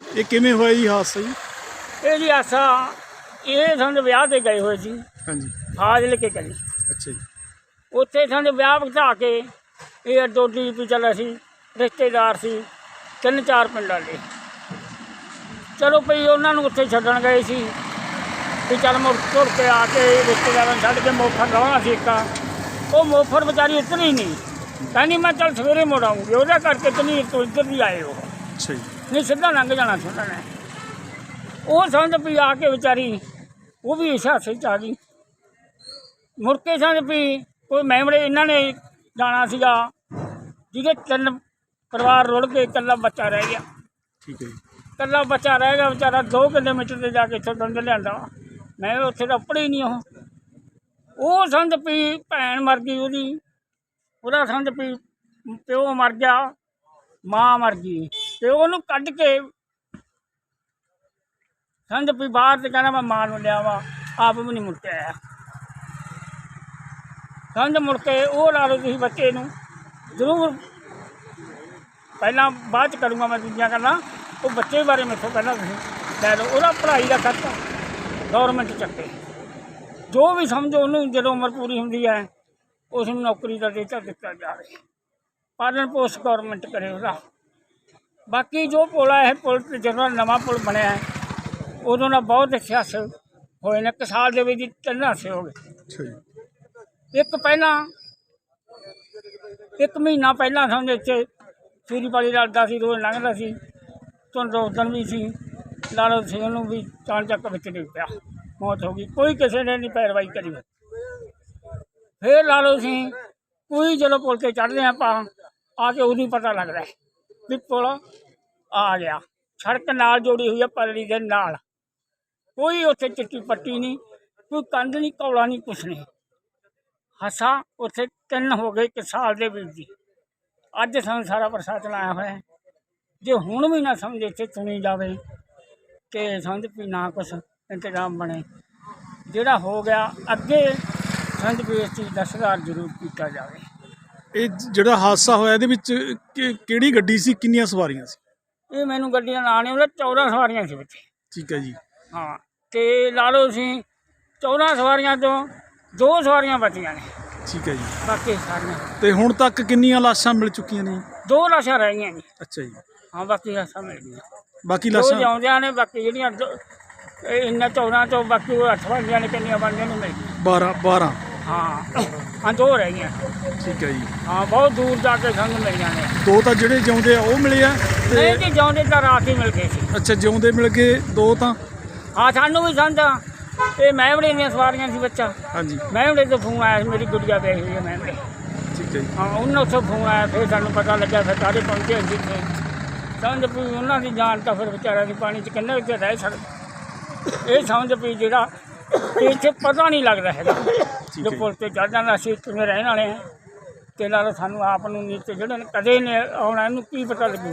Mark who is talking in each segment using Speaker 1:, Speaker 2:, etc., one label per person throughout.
Speaker 1: ਇਹ ਕਿਵੇਂ ਹੋਇਆ ਜੀ ਹਾਦਸਾ ਜੀ?
Speaker 2: ਇਹ ਜੀ ਆਸਾ ਇਹ ਸਾਨੂੰ ਵਿਆਹ ਤੇ ਗਏ ਹੋਏ ਸੀ
Speaker 1: ਹਾਂਜੀ।
Speaker 2: ਫਾਜ਼ਿਲਕੇ ਕਰੀ।
Speaker 1: ਅੱਛਾ ਜੀ।
Speaker 2: ਉੱਥੇ ਸਾਨੂੰ ਵਿਆਹ ਵਧਾ ਕੇ ਇਹ ਡੋਡੀ ਵੀ ਚੱਲਿਆ ਸੀ, ਰਿਸ਼ਤੇਦਾਰ ਸੀ 3-4 ਪਿੰਡਾਂ ਦੇ। ਚਲੋ ਭਈ ਉਹਨਾਂ ਨੂੰ ਉੱਥੇ ਛੱਡਣ ਗਏ ਸੀ ਵੀ ਚੱਲ ਮੁੜ ਤੁਰ ਕੇ ਆ ਕੇ ਰਿਸ਼ਤੇਦਾਰਾਂ ਨੂੰ ਛੱਡ ਕੇ ਮੋਫਰ ਲਾਉਣਾ ਸੀ ਇੱਕ। ਉਹ ਮੋਫਰ ਵਿਚਾਰੀ ਉਤਰੀ ਨਹੀਂ, ਕਹਿੰਦੀ ਮੈਂ ਚੱਲ ਸਵੇਰੇ ਮੁੜ ਆਊਂਗੀ। ਉਹਦਾ ਕਰਕੇ ਤਨੀਰ ਤੋਂ ਇੱਧਰ ਵੀ ਆਏ ਉਹ।
Speaker 1: ਅੱਛਾ ਜੀ।
Speaker 2: ਨਹੀਂ ਸਿੱਧਾ ਲੰਘ ਜਾਣਾ ਸੀ ਉਹਨਾਂ ਨੇ। ਉਹ ਸਮਝ ਵੀ ਆ ਕੇ ਵਿਚਾਰੀ ਉਹ ਵੀ ਇਸ ਹਾਸੇ 'ਚ ਆ ਗਈ। ਮੁੜ ਕੇ ਸਮਝ ਵੀ ਕੋਈ ਮੈਮੜੇ ਇਹਨਾਂ ਨੇ ਜਾਣਾ ਸੀਗਾ ਜਿਹਦੇ 3 ਪਰਿਵਾਰ ਰੁੜ ਕੇ ਇਕੱਲਾ ਬੱਚਾ ਰਹਿ ਗਿਆ।
Speaker 1: ਠੀਕ ਹੈ ਜੀ।
Speaker 2: ਇਕੱਲਾ ਬੱਚਾ ਰਹਿ ਗਿਆ ਵਿਚਾਰਾ 2 ਕਿਲੋਮੀਟਰ 'ਤੇ ਜਾ ਕੇ ਇੱਥੋਂ ਦੰਦ ਲਿਆਂਦਾ। ਮੈਂ ਉੱਥੇ ਤਾਂ ਉੱਪੜੇ ਹੀ ਨਹੀਂ ਉਹ ਸਮਝ ਵੀ ਭੈਣ ਮਰ ਗਈ ਉਹਦੀ, ਉਹਦਾ ਸਮਝ ਵੀ ਪਿਓ ਮਰ ਗਿਆ, ਮਾਂ ਮਰ ਗਈ। ਤੇ ਉਹਨੂੰ ਕੱਢ ਕੇ ਸਮਝ ਵੀ ਬਾਹਰ ਤੇ ਕਹਿੰਦਾ ਮੈਂ ਮਾਂ ਨੂੰ ਲਿਆ ਵਾ, ਆਪ ਵੀ ਨਹੀਂ ਮੁੜ ਕੇ ਆਇਆ। ਸਮਝ ਮੁੜ ਕੇ ਉਹ ਲਾ ਲਓ ਤੁਸੀਂ ਬੱਚੇ ਨੂੰ ਜ਼ਰੂਰ ਪਹਿਲਾਂ ਬਾਅਦ 'ਚ ਕਰੂੰਗਾ ਮੈਂ ਦੂਜੀਆਂ ਗੱਲਾਂ। ਉਹ ਬੱਚੇ ਬਾਰੇ ਮੈਥੋਂ ਪਹਿਲਾਂ ਤੁਸੀਂ ਲੈ ਲਓ। ਉਹਦਾ ਪੜ੍ਹਾਈ ਦਾ ਖਰਚਾ ਗੌਰਮੈਂਟ ਚੱਕੇ, ਜੋ ਵੀ ਸਮਝੋ ਉਹਨੂੰ ਜਦੋਂ ਉਮਰ ਪੂਰੀ ਹੁੰਦੀ ਹੈ ਉਸ ਨੂੰ ਨੌਕਰੀ ਦਾ ਦਿੱਤਾ ਜਾਵੇ, ਪਾਲਣ ਪੋਸ਼ ਗੌਰਮੈਂਟ ਕਰੇ ਉਹਦਾ। ਬਾਕੀ ਜੋ ਪੁਲ ਹੈ, ਪੁਲ ਜਦੋਂ ਨਵਾਂ ਪੁਲ ਬਣਿਆ ਹੈ ਉਦੋਂ ਦਾ ਬਹੁਤ ਸਿਆਸ ਹੋਏ ਨੇ। 1 ਸਾਲ ਦੇ ਵਿੱਚ 3 ਹਾਸੇ ਹੋ ਗਏ।
Speaker 1: ਅੱਛਾ ਜੀ।
Speaker 2: ਇੱਕ ਪਹਿਲਾਂ 1 ਮਹੀਨਾ ਪਹਿਲਾਂ ਸਮਝੋ ਇੱਥੇ ਸੀਰੀ ਪਾਲੀ ਲੜਦਾ ਸੀ, ਰੋਜ਼ ਲੰਘਦਾ ਸੀ, ਧੁੰਦ ਉਦਣ ਵੀ ਸੀ। ਲਾ ਲਓ ਸੀ ਉਹਨੂੰ ਵੀ ਚਾਣ ਚੱਕ ਵਿੱਚ ਡਿੱਗ ਪਿਆ, ਮੌਤ ਹੋ ਗਈ। ਕੋਈ ਕਿਸੇ ਨੇ ਨਹੀਂ ਪੈਰਵਾਈ ਕਰੀ। ਫਿਰ ਲਾ ਲਓ ਸੀ ਕੋਈ ਜਦੋਂ ਪੁਲ 'ਤੇ ਚੜ੍ਹਦੇ ਆਪਾਂ ਆ ਕੇ ਉਦੋਂ ਪਤਾ ਲੱਗਦਾ ਵੀ ਪੁਲ ਆ ਗਿਆ। ਸੜਕ ਨਾਲ ਜੋੜੀ ਹੋਈ ਹੈ ਪਰਲੀ ਦੇ ਨਾਲ, ਕੋਈ ਉੱਥੇ ਚਿੱਟੀ ਪੱਟੀ ਨਹੀਂ, ਕੋਈ ਕੰਧ ਨਹੀਂ, ਕੌਲਾ ਨਹੀਂ, ਕੁਛ ਨਹੀਂ। ਹਾਸਾ ਉੱਥੇ 3 ਹੋ ਗਏ 1 ਸਾਲ ਦੇ ਵਿੱਚ ਜੀ। ਅੱਜ ਸਾਨੂੰ ਸਾਰਾ ਪ੍ਰਸ਼ਾਸਨ ਆਇਆ ਹੋਇਆ। ਜੇ ਹੁਣ ਵੀ ਨਾ ਸਮਝ ਇੱਥੇ ਸੁਣੀ ਜਾਵੇ ਕਿ ਸਮਝ ਵੀ ਨਾ ਕੁਛ ਇੰਤਜ਼ਾਮ ਬਣੇ, ਜਿਹੜਾ ਹੋ ਗਿਆ ਅੱਗੇ ਸਮਝ ਵੀ ਇਸ ਚੀਜ਼ ਦਾ ਸੁਧਾਰ ਜ਼ਰੂਰ ਕੀਤਾ ਜਾਵੇ।
Speaker 1: ਇਹ ਜਿਹੜਾ ਹਾਦਸਾ ਹੋਇਆ ਇਹਦੇ ਵਿੱਚ ਕਿਹੜੀ ਗੱਡੀ ਸੀ, ਕਿੰਨੀਆਂ ਸਵਾਰੀਆਂ ਸੀ?
Speaker 2: ਇਹ ਮੈਨੂੰ ਗੱਡੀਆਂ ਨਾਂ ਨਹੀਂ ਉਹਦਾ 14 ਸਵਾਰੀਆਂ ਸੀ ਵਿੱਚ।
Speaker 1: ਠੀਕ ਹੈ ਜੀ।
Speaker 2: ਹਾਂ, ਅਤੇ ਲਾ ਲਓ ਅਸੀਂ 14 ਸਵਾਰੀਆਂ ਤੋਂ 2 ਸਵਾਰੀਆਂ ਬਚੀਆਂ ਨੇ।
Speaker 1: ਠੀਕ ਹੈ ਜੀ।
Speaker 2: ਬਾਕੀ ਸਾਰੀਆਂ
Speaker 1: ਤੇ ਹੁਣ ਤੱਕ ਕਿੰਨੀਆਂ ਲਾਸ਼ਾਂ ਮਿਲ ਚੁੱਕੀਆਂ ਨੇ?
Speaker 2: 2 ਲਾਸ਼ਾਂ ਰਹਿ ਗਈਆਂ ਜੀ।
Speaker 1: ਅੱਛਾ ਜੀ।
Speaker 2: ਹਾਂ, ਬਾਕੀ ਲਾਸ਼ਾਂ ਮਿਲ ਗਈਆਂ।
Speaker 1: ਬਾਕੀ
Speaker 2: 2
Speaker 1: ਲਾਸ਼ਾਂ
Speaker 2: ਜਿਉਂਦਿਆਂ ਨੇ, ਬਾਕੀ ਜਿਹੜੀਆਂ ਇਹਨਾਂ 14 ਤੋਂ ਬਾਕੀ ਉਹ 8 ਬਣਦੀਆਂ ਨੇ। ਕਿੰਨੀਆਂ ਬਣਦੀਆਂ ਨੇ ਮਿਲ ਗਈਆਂ?
Speaker 1: 12।
Speaker 2: ਹਾਂ 2 ਰਹਿ ਗਈਆਂ।
Speaker 1: ਠੀਕ ਹੈ ਜੀ।
Speaker 2: ਹਾਂ, ਬਹੁਤ ਦੂਰ ਜਾ ਕੇ ਸਾਨੂੰ ਮਿਲੀਆਂ ਨੇ।
Speaker 1: 2 ਤਾਂ ਜਿਹੜੇ ਜਿਉਂਦੇ ਆ ਉਹ ਮਿਲੇ ਆ?
Speaker 2: ਨਹੀਂ ਜੀ, ਜਿਉਂਦੇ ਤਾਂ ਰਾਤ ਹੀ ਮਿਲ ਗਏ ਸੀ।
Speaker 1: ਅੱਛਾ, ਜਿਉਂਦੇ ਮਿਲ ਗਏ 2 ਤਾਂ?
Speaker 2: ਹਾਂ, ਸਾਨੂੰ ਵੀ ਸਮਝਾ ਇਹ ਮੈਮੜੇ ਦੀਆਂ ਸਵਾਰੀਆਂ ਸੀ ਬੱਚਾ।
Speaker 1: ਹਾਂਜੀ।
Speaker 2: ਮੈਮੜੇ ਤੋਂ ਫੋਨ ਆਇਆ ਸੀ, ਮੇਰੀ ਗੁੱਡੀਆ ਪਈ ਹੋਈ ਹੈ ਮੈਮੜੇ।
Speaker 1: ਠੀਕ ਹੈ ਜੀ।
Speaker 2: ਹਾਂ, ਉਹਨਾਂ ਉੱਥੋਂ ਫੋਨ ਆਇਆ, ਫਿਰ ਸਾਨੂੰ ਪਤਾ ਲੱਗਿਆ, ਫਿਰ ਸਾਰੇ ਪਹੁੰਚੇ ਅਸੀਂ ਇੱਥੇ। ਸਮਝ ਵੀ ਉਹਨਾਂ ਦੀ ਜਾਨ ਤਾਂ ਫਿਰ ਵਿਚਾਰਿਆਂ ਦੀ ਪਾਣੀ 'ਚ ਕਿੰਨੇ ਉੱਤੇ ਰਹਿ ਸਕਦੇ। ਇਹ ਸਮਝ ਵੀ ਜਿਹੜਾ ਇੱਥੇ ਪਤਾ ਨਹੀਂ ਲੱਗਦਾ ਹੈਗਾ। ਜੋ ਪੁਲ 'ਤੇ ਚੜ੍ਹ ਜਾਂਦਾ ਅਸੀਂ ਕਿਵੇਂ ਰਹਿਣ ਵਾਲੇ ਹਾਂ, ਅਤੇ ਨਾਲ ਸਾਨੂੰ ਆਪ ਨੂੰ ਨੀਚੇ ਜਿਹੜੇ ਨੇ ਕਦੇ ਨੇ ਆਉਣਾ, ਇਹਨੂੰ ਕੀ ਪਤਾ ਲੱਗੂ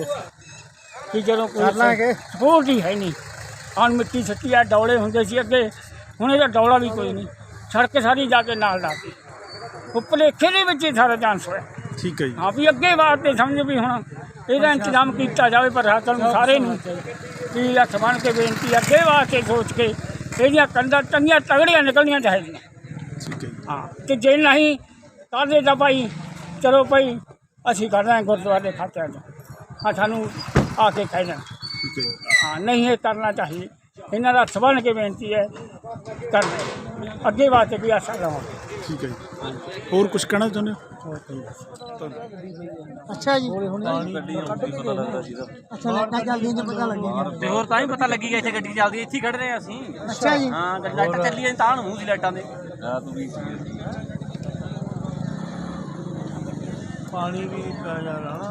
Speaker 2: ਕਿ ਜਦੋਂ ਕੋਈ ਸਪੋਰਟ ਹੀ ਹੈ ਨਹੀਂ। ਹੁਣ ਮਿੱਟੀ ਸੱਟੀ ਆ, ਡੌਲੇ ਹੁੰਦੇ ਸੀ ਅੱਗੇ, ਹੁਣ ਇਹਦਾ ਡੌਲਾ ਵੀ ਕੋਈ ਨਹੀਂ। ਸੜਕ ਸਾਰੀ ਜਾ ਕੇ ਨਾਲ ਲਾਤੀ, ਉਹ ਭੁਲੇਖੇ ਦੇ ਵਿੱਚ ਹੀ ਸਾਰਾ ਚਾਂਸ ਹੋਇਆ।
Speaker 1: ਠੀਕ ਹੈ ਜੀ।
Speaker 2: ਹਾਂ, ਵੀ ਅੱਗੇ ਵਾਸਤੇ ਸਮਝ ਵੀ ਹੁਣ ਇਹਦਾ ਇੰਤਜ਼ਾਮ ਕੀਤਾ ਜਾਵੇ। ਪ੍ਰਸ਼ਾਸਨ ਨੂੰ ਸਾਰੇ ਨੂੰ ਵੀ ਹੱਥ ਬਣ ਕੇ ਬੇਨਤੀ, ਅੱਗੇ ਵਾਸਤੇ ਸੋਚ ਕੇ ਇਹਦੀਆਂ ਕੰਧਾਂ ਚੰਗੀਆਂ ਤਗੜੀਆਂ ਨਿਕਲਣੀਆਂ ਚਾਹੀਦੀਆਂ।
Speaker 1: ਠੀਕ ਹੈ ਜੀ।
Speaker 2: ਹਾਂ, ਅਤੇ ਜੇ ਨਹੀਂ ਕਰਦੇ ਤਾਂ ਭਾਈ ਚਲੋ ਭਾਈ ਅਸੀਂ ਕਰ ਰਹੇ ਹਾਂ ਗੁਰਦੁਆਰੇ ਖਾਤਿਆਂ 'ਚ। ਹਾਂ, ਸਾਨੂੰ ਆ ਕੇ ਕਹਿ ਦੇਣਾ।
Speaker 1: ਠੀਕ ਹੈ ਜੀ।
Speaker 2: ਹਾਂ, ਨਹੀਂ ਇਹ ਕਰਨਾ ਚਾਹੀਏ। ਇਹਨਾਂ ਦਾ ਹੱਥ ਬਣ ਕੇ ਬੇਨਤੀ ਹੈ, ਕਰਨਾ ਅੱਗੇ ਵਾਸਤੇ ਵੀ ਆਸਾ ਲਵਾਂਗੇ।
Speaker 1: ਠੀਕ ਹੈ ਜੀ। ਹੋਰ ਕੁਝ ਕਹਿਣਾ ਚਾਹੁੰਦੇ ਹੋ?
Speaker 3: ਅੱਛਾ ਜੀ। ਅੱਛਾ, ਲਾਈਟਾਂ ਚੱਲਦੀਆਂ ਨੇ, ਪਤਾ ਲੱਗਿਆ
Speaker 4: ਤੇ ਹੋਰ ਤਾਂ ਹੀ ਪਤਾ ਲੱਗੀ ਗਿਆ ਇੱਥੇ ਗੱਡੀ ਚੱਲਦੀ, ਇੱਥੇ ਹੀ ਖੜ ਰਹੇ ਅਸੀਂ।
Speaker 3: ਅੱਛਾ ਜੀ।
Speaker 4: ਹਾਂ, ਲਾਈਟਾਂ ਚੱਲੀਆਂ ਤਾਂ ਮੂੰਹ ਸੀ ਲਾਈਟਾਂ ਦੇ।
Speaker 2: ਪਾਣੀ ਵੀ ਪੈ ਜਾਣਾ।